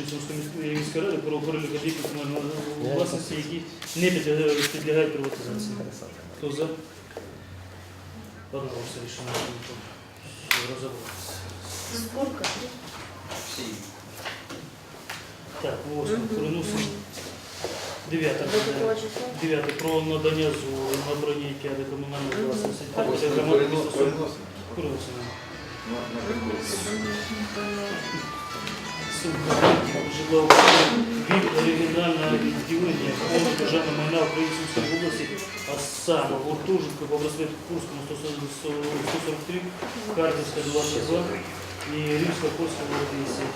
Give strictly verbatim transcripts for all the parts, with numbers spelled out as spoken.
рішень Сумської міської ради про перелік об'єктів комунальної власності, які не підлягають, підлягають приватизації. Хто за? Одноголосне рішення. Розібратися. Сколько? Так, восьме. Переносимо. Дев'яте. Дев'яте. Про надання згоди на прийняття до комунальної власності. Переносимо. Житлового від оригінального відділення фонду державного майна Української області, а саме гуртожитку по проспекту Курському сто сорок три, Харківська двадцять два і Римсько-Польська вісім.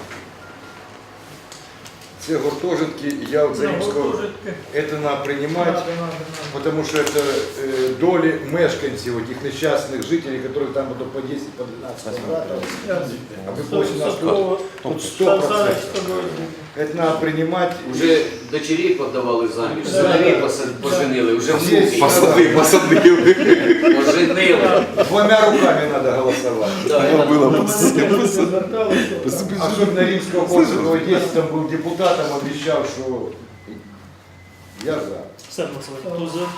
Все гуртожитки, я вот за Римского, это надо принимать, потому что это э, доли мешканцев, этих несчастных жителей, которые там будут по десять, по двенадцать квадратов, а выплачено на сто, тут сто процентов. Это надо принимать. Уже дочерей подавали заміж, сыновей поженили, уже Здесь посадили, посадили, поженили. Двумя руками надо голосовать. Да, Было Особенно Римского Польского десять, там был депутатом, обещал, что я за. Ставимо голосування. Хто за?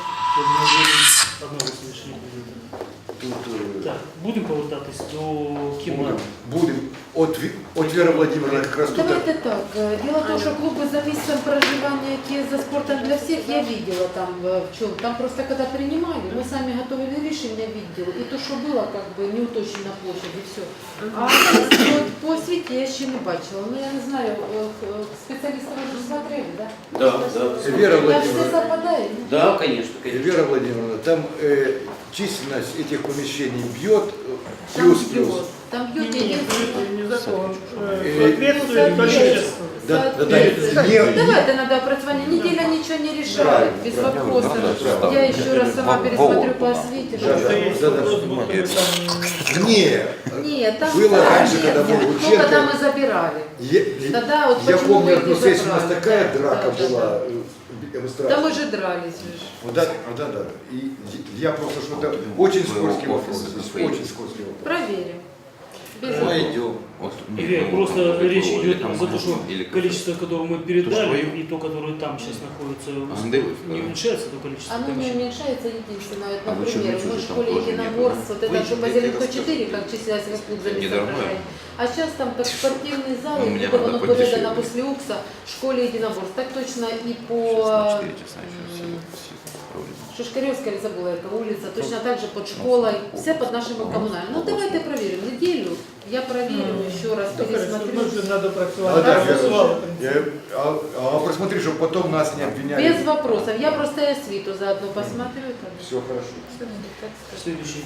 Одного рішення. Тут, э, Так, будемо повертатись до кімнати. будем. От, Ви- от Вера Владимировна как раз тут. Давайте так. Дело в том, что клубы за месяцем проживания какие за спортом для всех я видела там в чем. Там просто когда принимали, мы сами готовили решение, видела. И то, что было, как бы не уточнено площадь и все. А вот по освіті я ще не бачила. Ну я не знаю, специалисты уже смотрели, да? Да, да. Вера Я все Владимировна. совпадает. Да, конечно, конечно. Вера Владимировна, там э, численность этих помещений бьет э, Там плюс-плюс. бьет. Там бьет единственное. не закон. Ну, Соответствует количество. Да, да, да. Соответственно. Не- Давайте надо опрацование. Неделя ничего не решает, Правильно, без правильно. вопросов. Да, да, Я еще раз сама пересмотрю по освите. Да, да. Есть да, да. вопрос, будто бы там Не, Нет, там Было да, раньше, нет, когда нет. был Ну, Лученко. когда мы забирали. я, Тогда вот я почему помню, мы одну их сессию у нас забрали. такая Да, драка да, была да. э, в Да мы эстраде. же дрались. же. Вот да, да, да. И я просто что-то очень скользкий вопрос. Здесь очень скользкий вопрос. Проверим. Без Мы вопросов. идем. Или просто речь идет за то, что или количество, которое мы передали, свое? и то, которое там сейчас находится, Андеры, не да. уменьшается то количество Оно не помещений. уменьшается единственное. Вот, А вы что, например, ничего мы в же там школе тоже нету, единоборств, вот это Вы что по мне Зеленко расскажите. четыре, как числилось как клуб за Недорогое. А сейчас там под спортивный зал, Ну, и мне будет надо оно подешевле. передано после УКСа в школе единоборств. Так точно и по четыре часа еще все, все проблемы. Шишкаревская, или забыла эта улица, точно так же под школой, все под нашими коммунальными. Ну давайте проверим, неделю, я проверю, еще раз пересмотрю. Ну, же надо А, працювати. да, Я Вера, працювала, я- а, а посмотри, чтобы потом нас не обвиняли. Без вопросов, я просто и освиту заодно посмотрю. там. Все хорошо. Так сказать. Следующий.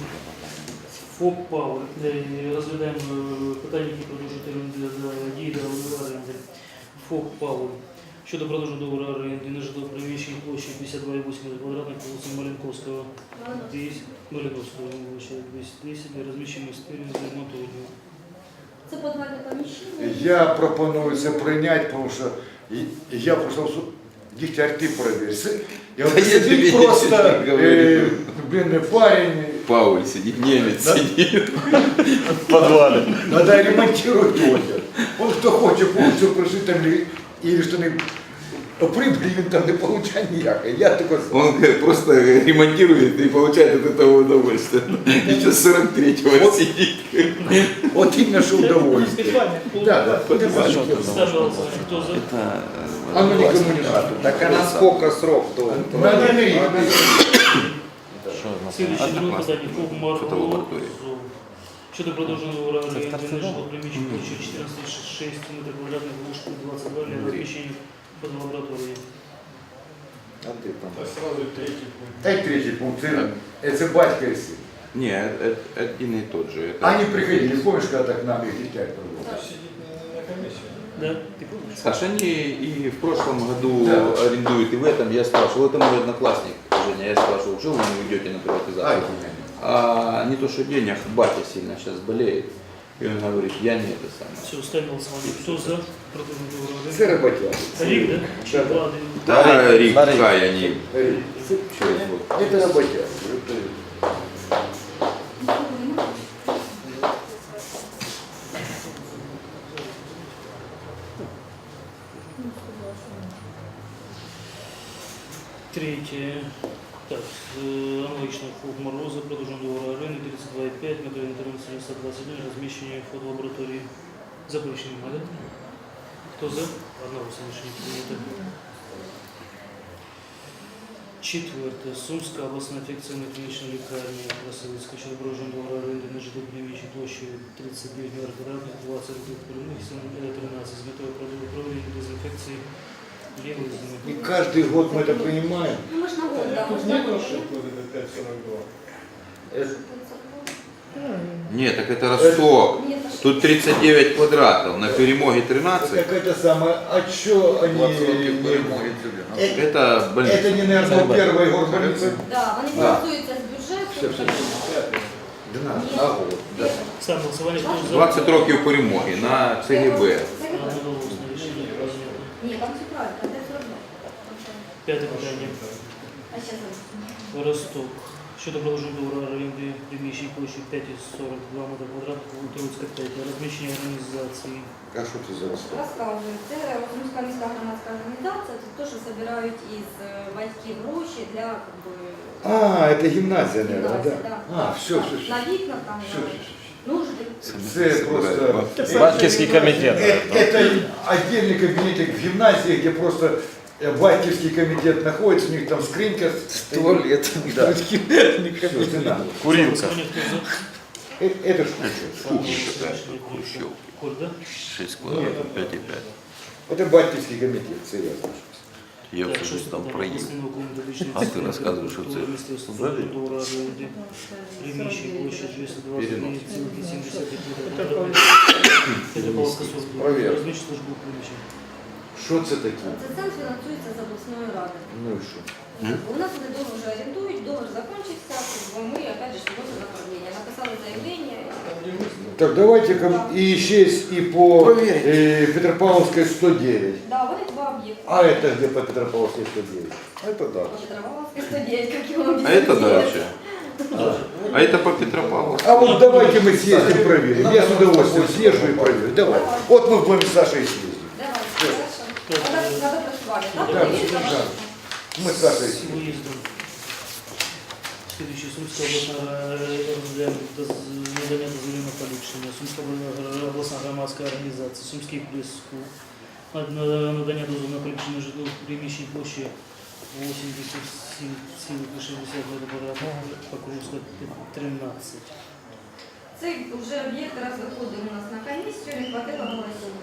ФОП «Павер». Е, Розглядаємо е, питання, які продовжують оренди за дії договору оренди. ФОП «Павер». Щодо продовження договору оренди на житло приміщення площею п'ятдесят два і вісім квадратних по вулиці Маленковського, десять, Маленковського, вибачте, двісті десять для розміщення стерів для ремонту одягу. Це подвальне поміщення. Я пропоную це прийняти, тому що і- я просто дігтярти проверить. Я вот Да я тебе сидит просто, ничего не говорю. э, блин, парень, Пауль сидит, немец Да. сидит в подвале. надо ремонтировать одяг. Он кто хочет полностью прожить там или, или что не прибыль він там не получає ніякої. Я такой, Он э, просто э, ремонтирует и получает от этого удовольствие. Еще с сорок третьего сидит. от іменно що удовольствие. Спеціальне. Да, да. Ставлю голосування. Хто за? Это Оно никому не надо. Так а на сколько срок? Надо мирить. Слідуюче друге питання. ФОП «Марго». Фотолабораторія. Щодо продовження договору оренди на житло приміщення площею чотирнадцять шість метрів квадратних вушку двадцять два для розміщення фотолабораторії. А ты там? Та й третій пункт. Це, це батько і син. Не, это один и тот же. Это... Они приходили, помнишь, когда так к нам их дитя проводили? На комісію. Да? Ти помниш? Саша, они и в прошлом году Да. арендуют, и в этом я спрашивал, это мой одноклассник, Женя, я спрашивал, что вы не уйдете на приватизацию? Ай, А не то, что денег, батя сильно сейчас болеет. И он говорит, я не это самое. Все, ставимо голосування. Хто за продовження договору оренди? Це роботяги. Рік, да? Чи Да, да. два? Да, Рик, Кай, они Э, через год. Это работяги. Это- развитие. Так, э, аналогично ФОП Мороза, продолжен договор оренды тридцать два и пять, метро интернет семьсот двадцать один, размещение фотолаборатории. Запрещено, да? Кто за? Одного совершенно принято. Четвертое. Сумская областная инфекционная клиничная лекарня Красавицкая, щодо продолжен договор оренды на житло приміщення площадью тридцать девять метров квадратных, двадцать рублей прямых, тринадцать с метой проведения дезинфекции левой зоны. И каждый год мы это принимаем. Ну, мы ж на год, да, мы ж Тут на нет год. ошибки вот это пять сорок два. Это- Нет, так это Росток. Нет, ошибки. Тут тридцать девять квадратов, на перемоге тринадцать. Так это самое, а что они... не- Э, Это больница. Это не, наверное, первая горбольница? Да, вони Да. фінансуються з бюджету. Все, все, все. Да, Ні. а вот, да. Саме голосування хто за? двадцять років перемоги на ЦГБ. Одноголосно рішення прийнято. Ні, там все правильно, там п'ять сорок два. П'яте питання. А зараз Росток. Щодо продовження договору оренди приміщень площею п'ять і сорок два метри квадратних, Трудська п'ять, розміщення організації. А что ты за Ростов? розказую. Це Сумська міська громадська організація, це те, що збирають із е, батьків гроші для как бы, А, это гимназия, наверное, гімназії, да? да. А, все, Так, все, все. На вікнах там Все, на все, все. нужди. Это просто... Батьківський комітет. Это, это отдельный кабинетик в гимназии, где просто э, батьківский комитет находится, у них там скринька стоит. Туалет. Да. Всё, не надо. Курилка. Голосування хто за? Э, Это что? Хрущев. Коль, да? шесть квадратов, пять и пять. Это батьківський комитет, серьезно. Я Так, все шосте же там питання. проїв. Обласний науковий методичний А ти центр розказуєш, що це мистецтва взагалі? договору оренди приміщень площі двісті двадцять Перенос. цілих сімдесят Это метрів по- квадратних. Петропавловська служба. Проверка. Розміщення службових приміщень. Що це таке? Це центр фінансується з обласної ради. Ну і що? У нас вони договор вже орендують, договор закінчився, ми опять же вносимо направлення. Написали заявлення. Так, давайте и еще есть и по э, Петропавловской сто девять. Да, вони два об'єкти. А это где по Петропавловской сто девять? Это да. Петропавловська сто дев'ять, як його А это дальше. А это по Петропавловску. А вот давайте мы съездим проверим. Я с удовольствием съезжу и проверю. Давай. Вот мы будем с Сашей съездим. Давай, хорошо. Надо, надо працювати. Так, Да, перевірка да. ваша. Мы с Сашей С съездим. выездом. Следующий Сумская областная надання дозволу на поліпшення. Сумська обласна громадська організація, Сумський близько. Надання дозволу на поліпшення житлових приміщень площі вісімдесят сім цілих шістдесят метрів квадратних, Покровська тринадцять. Цей вже об'єкт раз виходив у нас на комісію, не хватило голосів.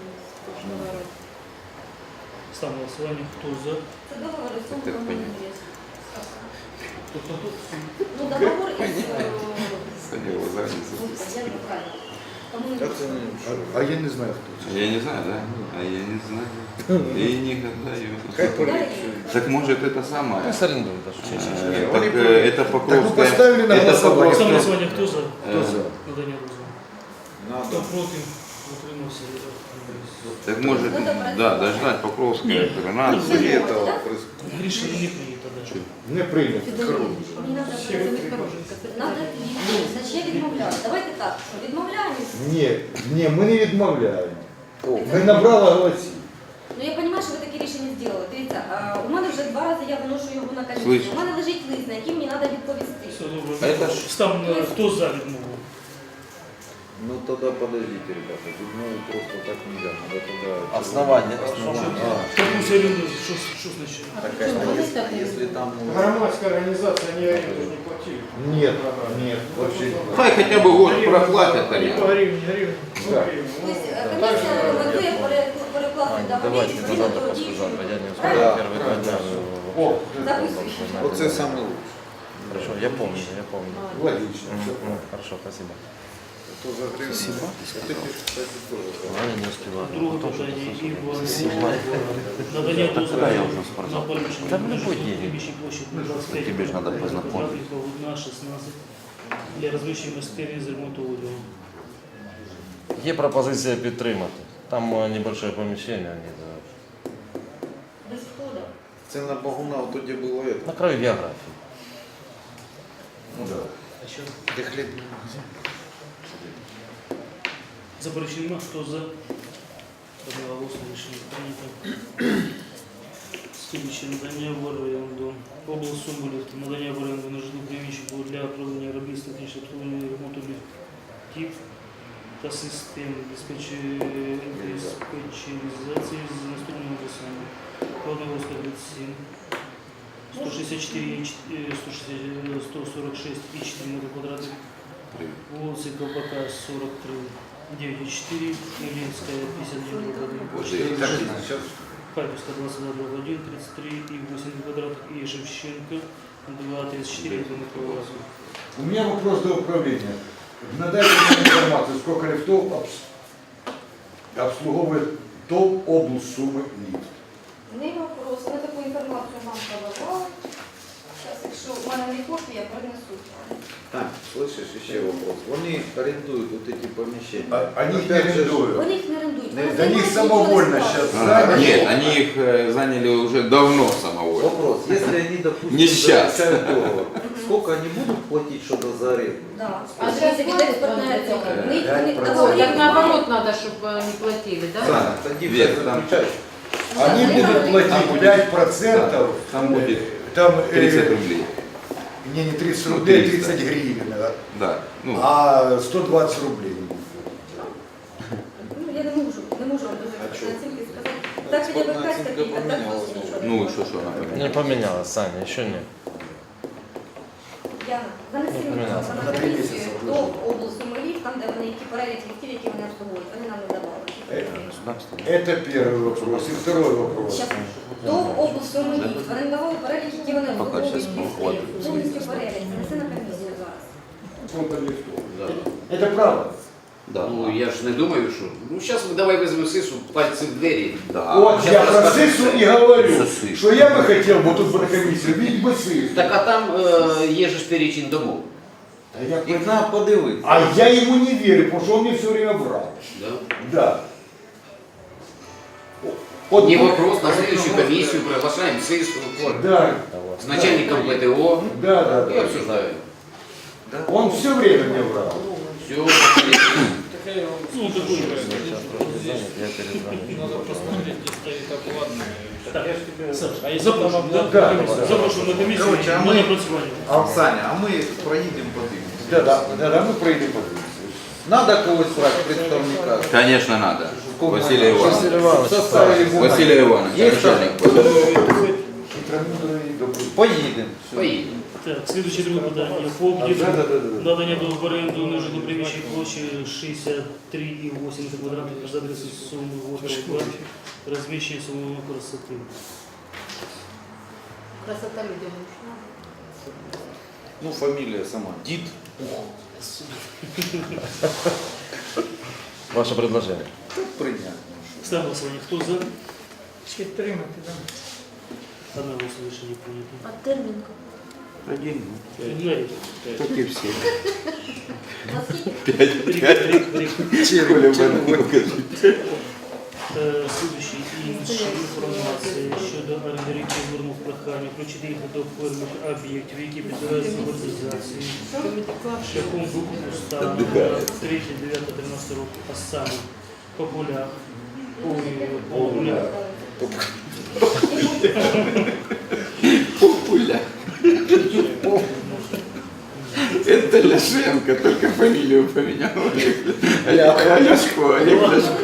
Ставлю на голосування. Хто за? Це договор із Сумського Так, понятно. Монастиря. Тобто тут Ну, договор із... е, Ходила за границу. Я не правильно. Комунікація. А, а я не знаю, кто это. Я не знаю, да? А я не знаю. И никогда Хай ее. поліпшує. Так может это самое? Пусть арендуют даже. Э, Так э, это Так вы Покровская. поставили на Это голосование. ставлю на Покровская. голосування. Хто за? Кто за? Надання дозволу. Хто проти? Утримався. Так может, Надо брать. да, дождать Покровская тринадцать. Рішення не прийнято. Да. Не прийнято. Мені треба працювати хорошенько. Надо відмовляти. Значить, я відмовляю. Давайте так, що відмовляємось. Ні, ні, ми не відмовляємо. Ми набрали голосів. Ну я розумію, що ви таке рішення зробили. Дивіться, а, у мене вже два рази я виношу його на комісію. Слышь. У мене лежить лист, на який мені треба відповісти. Все добре. А это ж- Став на хто за відмову? Ну тогда подождите, ребята, тут ну просто так нельзя, надо тогда... Основание. Хто пусть орендує? Що що значить? Так, Что, конечно, ну, если, так и если там... ну, Громадская организация, они аренду не платили. Нет, нет, вообще не платили. Хай хотя бы год проплатят Не они. по гривне, гривне. Ну, Да. гривне. Ну, Тобто е, так комісія же, рекомендує пере- перекласти договір Давайте на відповідно завтра, до послезавтра. Я не Правильно? успею первый два дня. О, Записуй. Вот это самое лучшее. Хорошо, я помню, я помню. логично. Мгм, ну, Хорошо, спасибо. Это за гривну. Это, кстати, тоже. А я не успеваю. Друге питання. Іван. Надання дозволу Когда я уже в на спортзал? поліпшення Та в любой день. приміщень площі двадцять п'ять Тебе ж надо метрів познакомиться. квадратних, Голубна, шістнадцять для розміщення майстерні з ремонту одягу. Є пропозиція підтримати. Там е, небольшое помещение. Они, да, Без входу. Это на Багуна, вот тоді було это. на краю географии. Ну да. А що? Де хліб? Заперечень нема. Хто за? Одноголосно рішення прийнято. Слідуюче надання в оренду. Область Сумбулів, надання в оренду на житло приміщення для проведення робіт з технічного обслуговування і ремонту ліфтів та систем диспетчеризації з наступними адресами. Холодногорська тридцять сім, сто шістдесят чотири, сто сорок шість і чотири метри квадратних. Вулиці Колпака сорок три, девять и четыре, Ильинская пятьдесят девять, Харьковская двадцать два, один, тридцать три и восемь квадратов, и Шевченко два, тридцать четыре квадратов. У меня вопрос до управления. Надайте мне информацию, сколько лифтов обс- обслуговывает ТОВ облсумы лифт. Не вопрос, ми таку інформацію вам подавали. Зараз, якщо в мене не копія, принесу. Тань, слышишь, еще вопрос. Они арендуют вот эти помещения. А- Они их не Опять же, арендуют. Вони їх не орендують. Не- вони Да них займаються самовольно нічого не сейчас справою. А, заняли. нет, они их э, заняли уже давно самовольно. Вопрос, если они, допустим, Не сейчас. заключают договор, сколько они будут платить что-то за аренду? Да. А А зараз від платять експортної вони цього. таке? Вони- п'ять вони процентів. договори Так наоборот надо, чтобы они платили, да? Да, тоді Вверх, хай там. заключають. Они Да, будут да, платить будет- пять процентов. Там будет Там э, тридцать рублей. Не, не тридцать Ну, рублей, триста. тридцать гривен, да. Да. Ну, А сто двадцать рублей. Ну, я не можу, не можу вам дуже А чого? оцінки сказати. Так, хоча б Експортна якась оцінка копійка, так помінялась, просто нічого. ну и что, что она поменяла? Не поменялось, Саня, еще нет. Яна, занеси Не мені помінялась. на На три комісію місяці до вийшло. області Малів, там, де вони які перелік ліфтів, які вони обслуговують. Вони нам не давали. Это первый вопрос. И второй вопрос. Щас. До області Малів. Вони не давали перелік, які вони обслуговують щас ліфти. хватить. Повністю перелік. Занеси на комісію зараз. Это правда. Да. Ну я ж не думаю, що. Ну зараз ми давай візьмемо сису, пальці в двері. Да. Вот щас я про расскажу. СИСу и говорю, Сысы. что я бы хотел бы тут бы на комиссию видеть бы СИСу. Так а там е, є же ж перечень домов. А я, Їх треба подивитися. а я ему не верю, потому что он мне все время врал. Да? Да. Вот, Не вопрос, на следующую комиссию приглашаем сису, Да, с начальником ПТО да, да, и да. обсуждаем. Он все время мне врал. Все. Ну, такой же. Сейчас просто занят, я перезвоню. Надо посмотреть, где стоит оплата. Так, Я ж тебе... Саш, а я запрошую, да? Да. Запрошую на комісію Короче, а на ми- напрацювання. А, Саня, а ми проїдемо подивимося. Да, да, да, да, мы пройдем по Надо когось брати, представника. Конечно, надо. Василия Василий Ивановича. Иванович, Составили бумаги. Василия Ивановича, Є начальник. Хитромудрый, добрый. Поїдемо. Все. Поїдемо. Так, слідуюче друге питання. ФОП Да, «Дідро». да, да, да. Надання до в оренду на житло приміщення площі шістдесят три і вісім квадратних за адресою Суми Водного, розміщення самого красоти. Красота людям нужна. Ну, фамілія сама. Дід. Ваше предложение. Це прийнятно. Ставимо голосування. Хто за? Підтримати, так. Одна голоса рішення прийнято. А термін? Один. Игнорить. Как и все. Наскільки? Рік, рік, рік. Оля, покажи. Е, Слідуючий інша інформація щодо орендарів звернув прохання включити їх до певних об'єктів, які підлягають приватизації шляхом викупу стану на третє, дев'яте, тринадцяте року, а саме по полях, ой, по полях, Популя. Это Ляшенко, только фамилию поменял. Олег Ляшко, Олег Ляшко.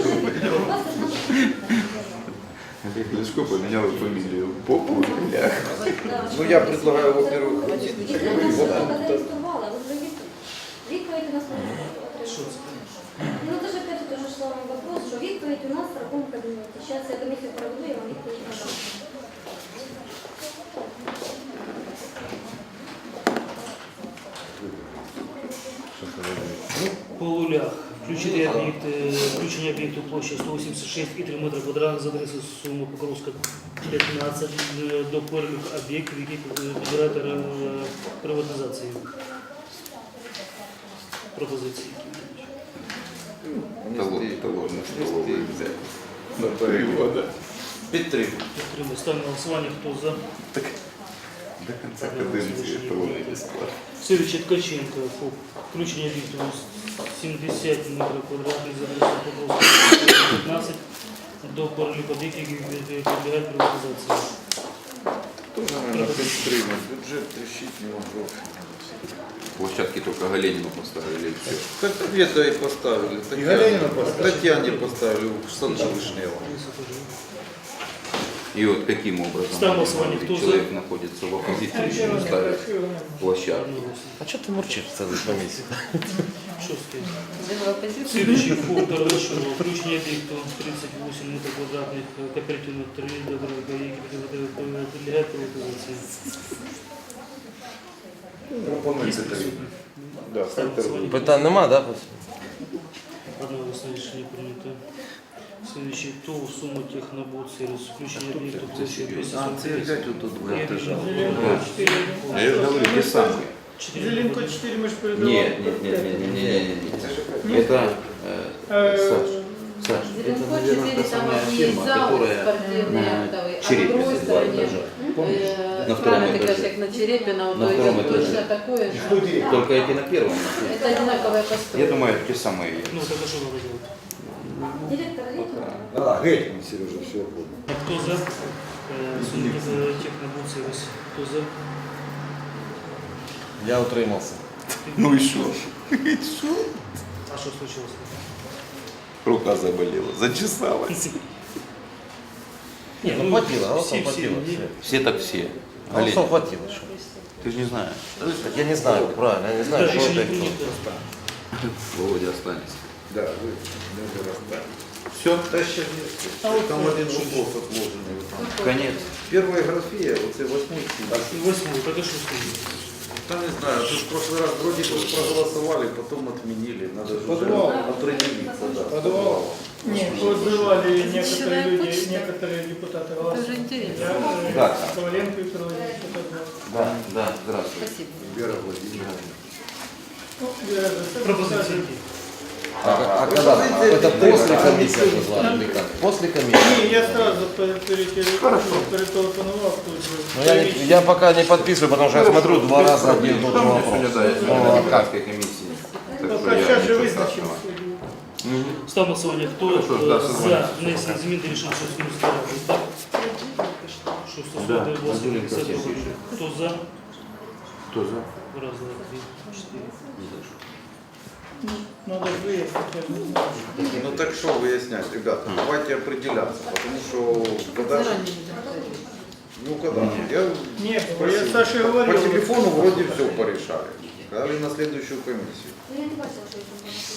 Олег Ляшко поменял фамилию. Популя. Ну, я предлагаю, во-первых, Їх не зареєстрували, ви вже відповідь у нас не що отримали. це? Ну, дуже опять же, тоже шла вам вопрос, що відповідь у нас в такому кабінеті. Зараз я комісію проведу, я вам відповідь надам. По лулях. Включити об'єкт, е, включення об'єкту площі сто вісімдесят шість і три метри квадратних за адресою Суми Покровська п'ятнадцять е, до переліку об'єктів, які підлягають е, приватизації. Пропозиції. Талон, талон, столовый взять. На перевода. Підтримую. Підтримую. Ставимо на голосування. Хто за? До конца каденции талоны бесплатно. Сергій Ткаченко. ФОП. Включення об'єкту сімдесят метрів квадратних за адресою Покровська п'ятнадцять до переліку об'єктів, які підлягають приватизації. Тоже, наверное, підтримати. Бюджет трещить не может. Площадки только Галенину поставили и все. Так где-то и поставили. И Галенина Татьяне, поставили. Татьяне поставили в саду Вишнева. И вот каким образом Ставил один голосование. Кто за? человек находится в оппозиции, ему ставят площадку. А что ты мурчишь в целой комиссии? Що сказати? Следующий фонд Рошева. Включение объектов тридцать восемь метров квадратных, кооперативных три дорога, подлегает приватизации. Пропонується тариф. Да, Ставим голосование. Питань нема, да? Одно решение принято. Следующий ТОВ, сумма технобот, сервис, включение объектов площадь двести А, сорок це девять. опять вот тут будет лежал. Зеленко чотири. А я же говорю, те самые. Четыре. Зеленко чотири ми ж передавали. Нет, нет, нет, нет, нет, нет, нет. Это, э, Е, Саш, Саш, это, Зеленко наверное, четыре, та там самая есть фирма, зал которая спортивный, на актовый, а на Черепе другой два стороне, этажа. э, На втором правильно ты говоришь, этаже. как на Черепина, вот На то втором идет этаже. точно такое же. Студии. Только эти на первом находятся. Это одинаковая Я постройка. думаю, те самые есть. Ну, это что надо делать? Директор Летнего. А, геть, Сережа, все понял. А кто за? Э, Сумма технобот, сервис. Кто за? Я утримался. Ну и что? А что случилось? Рука заболела, зачесалась. Не, ну хватило, все, голосов все, хватило. не- все. Все так все. Голосов Галина, хватило. Что? ты же не знаешь. Так я не знаю, правильно, я не знаю, Да, что решение это и кто. принято. Володя останется. Да, вы даже расстались. Все, да сейчас нет. Там один вопрос отложенный. вот там. Конец. Первая графия, вот это восьмой фильм. Восьмой, это что случилось? Там не знаю, тут в прошлый раз вроде бы проголосовали, потом отменили. Надо же Подвал. уже определиться, да. Подвал. Нет, отзывали некоторые Человек люди, почти. некоторые депутаты Это голоса. же интересно. Я, э, Да. Коваленко Виктор Владимирович, что такое. Да, да, здравствуй. Спасибо. Вера Владимировна. Ну, я же сам Пропозиция. писатель. А, а когда? А это после комиссии назвали или как? После комиссии? Ні, я сразу перетелефонував тут же. Ну, я, не, я пока не подписываю, потому что я смотрю два раза один и тот же Сегодня, вопрос. да, я Ну, на Кавказской комиссии. Так Ну, что я сейчас же ничего визначимо. страшного. Ставим голосование. Кто Хорошо, э, да, за согласен. внесение измен до решения Шостинской рады? Так? Что Да, стосуется двадцать Владимир пятьдесят Васильевич. рублей. Кто за? Кто за? Раз, два, три, четыре. Надо ж вияснити, я ж не знаю. Ну так что выяснять, ребята, давайте определяться, потому что когда же, Заранее не доходит. ну когда, я Ні, я спросил, Саше по, говорив. по телефону вроде все порешали, сказали на следующую комиссию. Ну, я не бачила, що їх там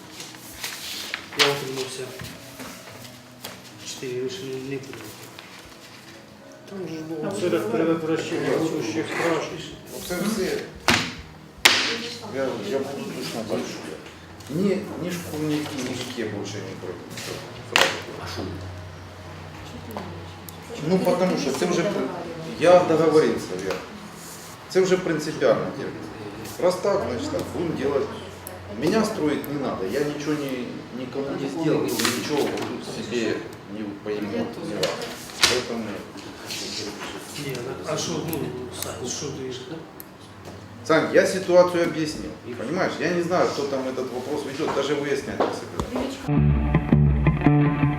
Я утримался. Четыре решения не принято. Там же А было... це так предотвращення будущих краж. Це все. Я, я буду точно так же. Ни, ни шкурники, ни жуки больше не пройдут. А шум? Ну потому что это уже, я договорился, Вера. Это уже принципиально делать. Раз так, значит так, будем делать. Меня строить не надо, я ничего не, никому не сделал, ничего вот тут себе не пойму. Не надо. Поэтому Не, а что, ну, Сань, что ты... Сань, я ситуацию объяснил. Понимаешь, я не знаю, кто там этот вопрос ведет, даже выяснять не собираюсь.